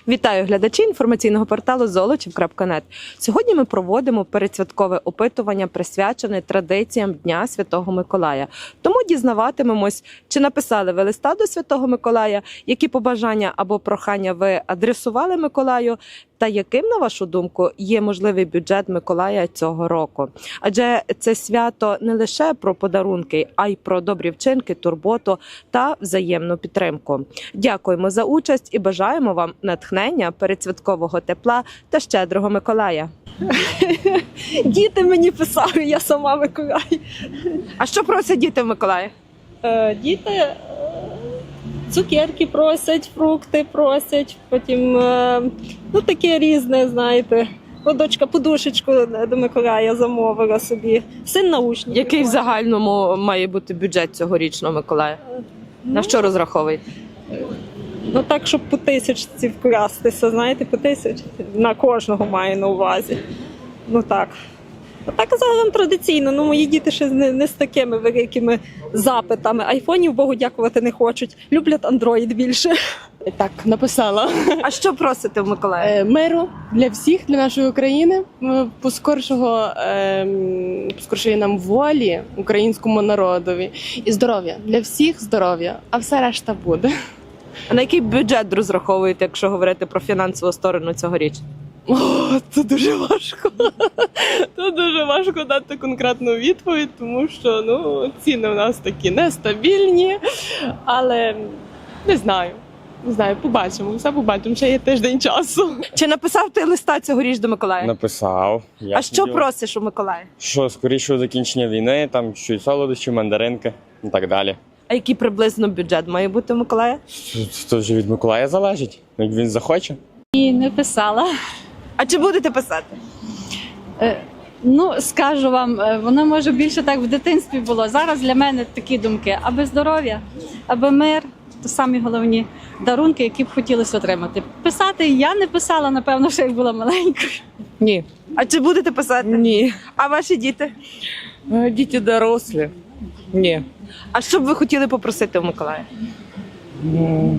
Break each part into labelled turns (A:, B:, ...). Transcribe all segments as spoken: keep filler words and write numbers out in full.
A: Вітаю глядачі інформаційного порталу золочів крапка нет. Сьогодні ми проводимо передсвяткове опитування, присвячене традиціям Дня Святого Миколая. Тому дізнаватимемось, чи написали ви листа до Святого Миколая, які побажання або прохання ви адресували Миколаю, та яким, на вашу думку, є можливий бюджет Миколая цього року. Адже це свято не лише про подарунки, а й про добрі вчинки, турботу та взаємну підтримку. Дякуємо за участь і бажаємо вам натхнення, передсвяткового тепла та щедрого Миколая.
B: Діти мені писали, я сама Миколай.
A: А що просять діти в Миколая?
B: Е, Діти е, цукерки просять, фрукти просять, потім е, ну таке різне, знаєте. О, дочка подушечку до Миколая замовила собі. Син наушник.
A: Який в загальному має бути бюджет цьогорічного Миколая? На що розраховуєте?
B: Ну так, щоб по тисячці вкластися, знаєте, по тисячці. На кожного маю на увазі. Ну так. А так загалом традиційно, ну мої діти ще не, не з такими великими запитами. Айфонів, Богу дякувати, не хочуть. Люблять Android більше.
C: Так, написала.
A: А що просите в Миколая?
C: Е, Миру для всіх, для нашої України, е, поскоршого, е, поскоршої нам волі українському народові і здоров'я. Для всіх здоров'я, а все решта буде.
A: А на який бюджет розраховуєте, якщо говорити про фінансову сторону цьогоріч?
C: О, це дуже важко. Це дуже важко дати конкретну відповідь, тому що ну, ціни у нас такі нестабільні, але не знаю. Не знаю, побачимо, все побачимо, ще є тиждень часу.
A: Чи написав ти листа цьогоріч до Миколая?
D: Написав. Я
A: А що
D: хотів,
A: просиш у Миколая?
D: Що скорішого закінчення війни, там щось солодощі, мандаринки і так далі.
A: А який приблизно бюджет має бути у Миколая?
D: Це вже від Миколая залежить, як він захоче.
E: І не писала.
A: А чи будете писати?
E: Е, Ну, скажу вам, е, воно може більше так в дитинстві було. Зараз для мене такі думки. Аби здоров'я, аби мир, то самі головні дарунки, які б хотілося отримати. Писати я не писала, напевно, ще як була маленькою.
F: Ні.
A: А чи будете писати?
F: Ні.
A: А ваші діти?
F: Е, Діти дорослі. Ні.
A: А що б ви хотіли попросити у Миколая?
F: М,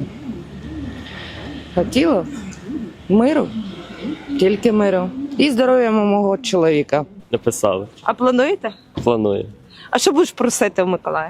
F: Хотіла миру, тільки миру. І здоров'я мого чоловіка.
G: Написали.
A: А плануєте?
G: Планую.
A: А що будеш просити у Миколая?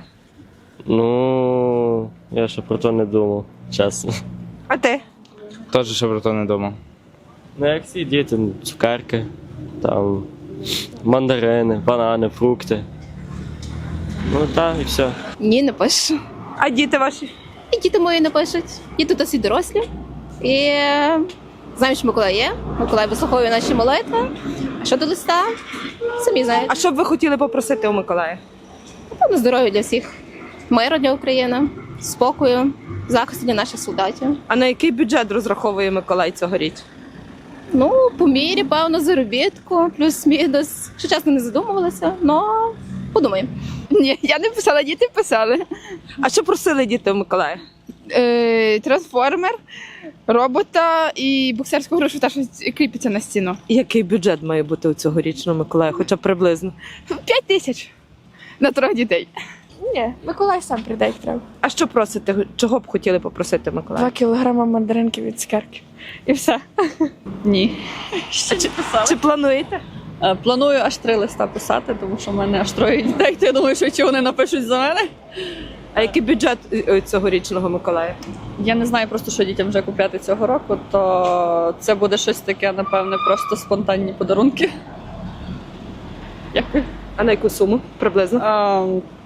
G: Ну, я ще про то не думав, чесно.
A: А ти?
H: Теж ще про то не думав.
G: Ну, як всі діти, цукерки, там, мандарини, банани, фрукти. Ну так, і все.
I: Ні, не пишу.
A: А діти ваші?
I: І діти мої не пишуть. Діти досить дорослі. І е, знаємо, що Миколай є. Миколай вислуховує наші молитви. А щодо листа, самі знають.
A: А що б ви хотіли попросити у Миколая?
I: Напевно, здоров'я для всіх. Миру для України, спокою, захисту для наших солдатів.
A: А на який бюджет розраховує Миколай цьогоріч?
I: Ну, по мірі, певно, заробітку, плюс-мінус. Що чесно не задумувалася, але подумаємо.
J: Ні, я не писала, діти писали.
A: А що просили діти у Миколая?
J: Е, трансформер, робота і боксерську грушу, та що кріпиться на стіну.
A: Який бюджет має бути у цьогорічного Миколая, хоча б приблизно?
J: П'ять тисяч на трьох дітей.
K: Ні, Миколай сам прийде, як треба.
A: А що просите? Чого б хотіли попросити Миколая?
K: Два кілограма мандаринки від цукерки. І все.
E: Ні.
A: А чи, чи плануєте?
E: Е, Планую аж три листа писати, тому що в мене аж троє дітей, то я думаю, що чи вони напишуть за мене.
A: А який бюджет е, цьогорічного Миколая?
E: Я не знаю просто, що дітям вже купляти цього року, то це буде щось таке, напевне, просто спонтанні подарунки. Дякую.
A: А на яку суму приблизно?
E: А,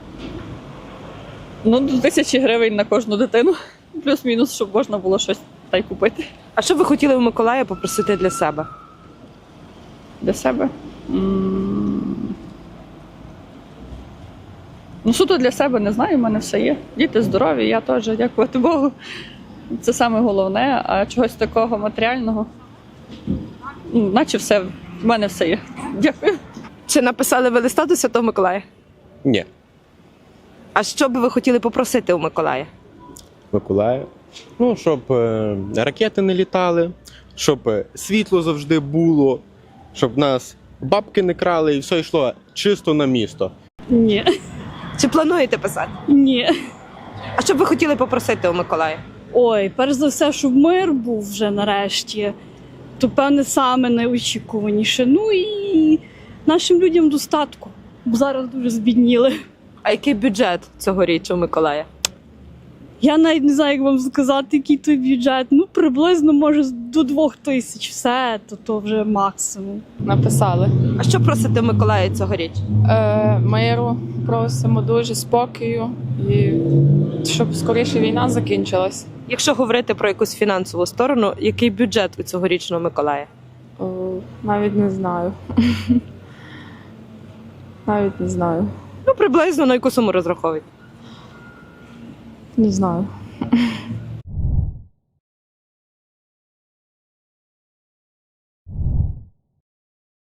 E: ну, до тисячі гривень на кожну дитину. Плюс-мінус, щоб можна було щось та й купити.
A: А що б ви хотіли у Миколая попросити для себе?
E: Для себе. М. Ну, суто для себе не знаю, в мене все є. Діти здорові, я теж, дякувати Богу. Це саме головне, а чогось такого матеріального, ну, наче все, в мене все є. Дякую.
A: Чи написали ви листа до Святого Миколая?
L: Ні.
A: А що б ви хотіли попросити у Миколая?
L: Миколая. Ну, щоб е, ракети не літали, щоб е, світло завжди було, щоб нас бабки не крали і все йшло чисто на місто.
E: Ні.
A: Чи плануєте писати?
E: Ні.
A: А що б ви хотіли попросити у Миколая?
E: Ой, перш за все, щоб мир був вже нарешті, то певне саме найочікуваніше. Ну і нашим людям достатку, бо зараз дуже збідніли.
A: А який бюджет цьогоріч у Миколая?
E: Я навіть не знаю, як вам сказати, який той бюджет. Ну, приблизно, може, до двох тисяч. Все, то, то вже максимум.
K: Написали.
A: А що просите Миколая цьогоріч?
K: Е, миру просимо дуже, спокою і щоб скоріше війна закінчилась.
A: Якщо говорити про якусь фінансову сторону, який бюджет у цьогорічного Миколая?
K: О, навіть не знаю. Навіть не знаю.
A: Ну, приблизно на яку суму розраховують?
K: Не знаю.